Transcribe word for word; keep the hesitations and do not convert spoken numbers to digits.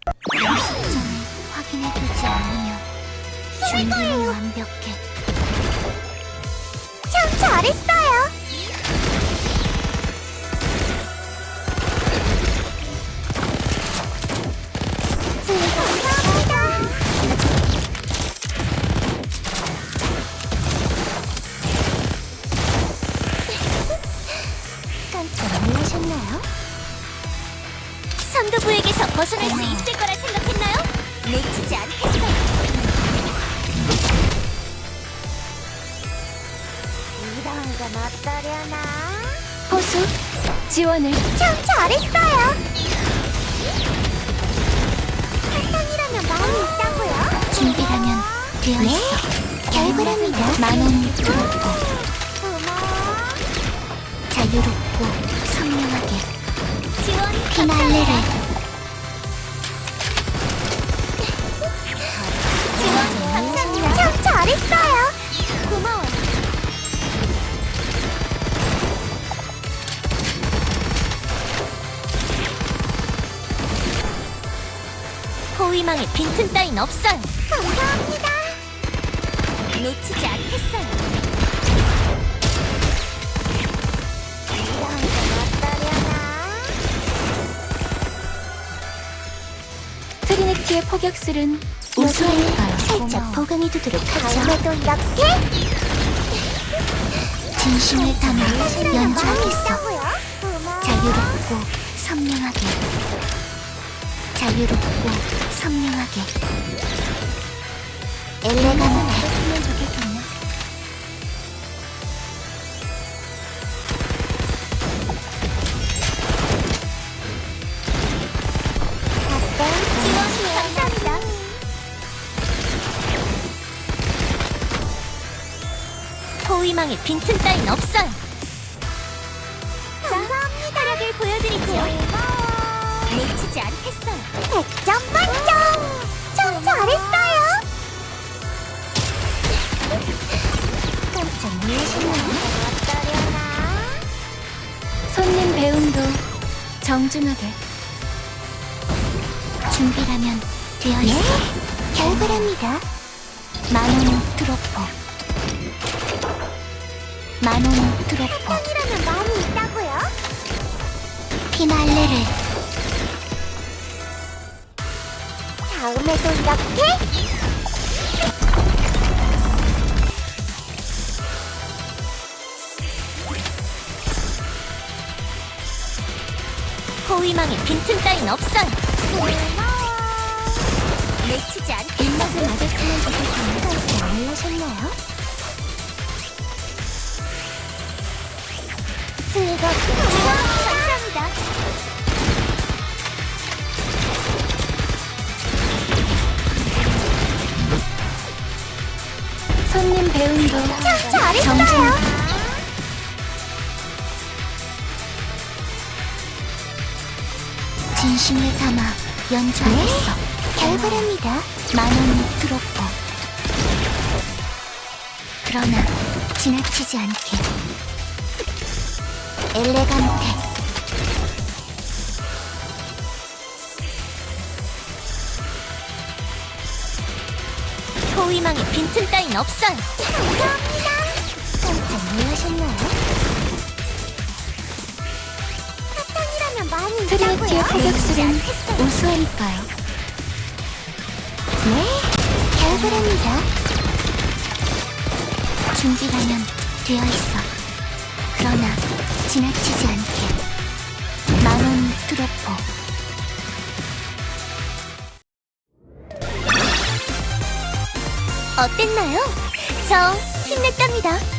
시점을 확인해두지 않으면 준비는 완벽해. 참 잘했어요. 감사합니다. 깜짝 놀라셨나요? 선두부에게서 벗어날 수 있을 거라 생각했나요? 놓치지 않겠어요. 이런 건 어떠려나? 호수 지원을. 참 잘했어요. 사탕이라면 마음이 있다고요? 준비라면 되어 네, 있어. 결과랍니다. 만원 드롭고 고마워. 자유롭고 선명하게 지원 피날레를. 지원 감사합니다. 참 잘했어요. 고마워요. 호위망에 빈틈 따윈 없어요. 감사합니다. 놓치지 않겠어요. 이런 건 어떠려나? 트리니티의 포격술은 우수하니까요. 살짝 보강해두도록 다음에도 이렇게? 진심을 담아 마음이 연주하겠어. 있다고요? 고마워. 자유롭고 선명하게, 자유롭고 선명하게. 엘레간테. 했으면 좋겠군요. 지원 감사합니다. 호위망에 빈틈 따윈 없어요. 감사합니다. 활약을 보여드리죠. 고마워. 놓치지 않겠어요. 백 점 만점! 참 잘했어요! 깜짝 놀라시나요? 어떠려나? 손님 배움도 정중하게. 준비라면 되어 있어. 결과랍니다. 만원 드로퍼. 만원 드로퍼. 사탕이라면 마음이 있다고요? 피날레를. 다음에도 이렇게? 호위망에 빈틈 따윈 없어요. 고마워. 놓치지 않겠어. 입맛을 맞았으면 좋겠군요. 깜짝 놀라셨나요? 즐겁게 지원 감사합니다. 손님 배움도 참 잘했어요. 정중하게. 진심을 담아 연주하겠어. 결과랍니다. 만원 드로퍼. 그러나 지나치지 않게. 엘레간테. 호위망에 빈틈 따윈 없어요. 감사합니다. 깜짝 놀라셨나요? 사탕이라면 마음이 트리니티의 있다고요? 포격술은 우수하니까요. 네, 결과랍니다. 준비라면 되어 있어. 그러나 지나치지 않게. 만원 드로퍼. 어땠나요? 저 힘냈답니다.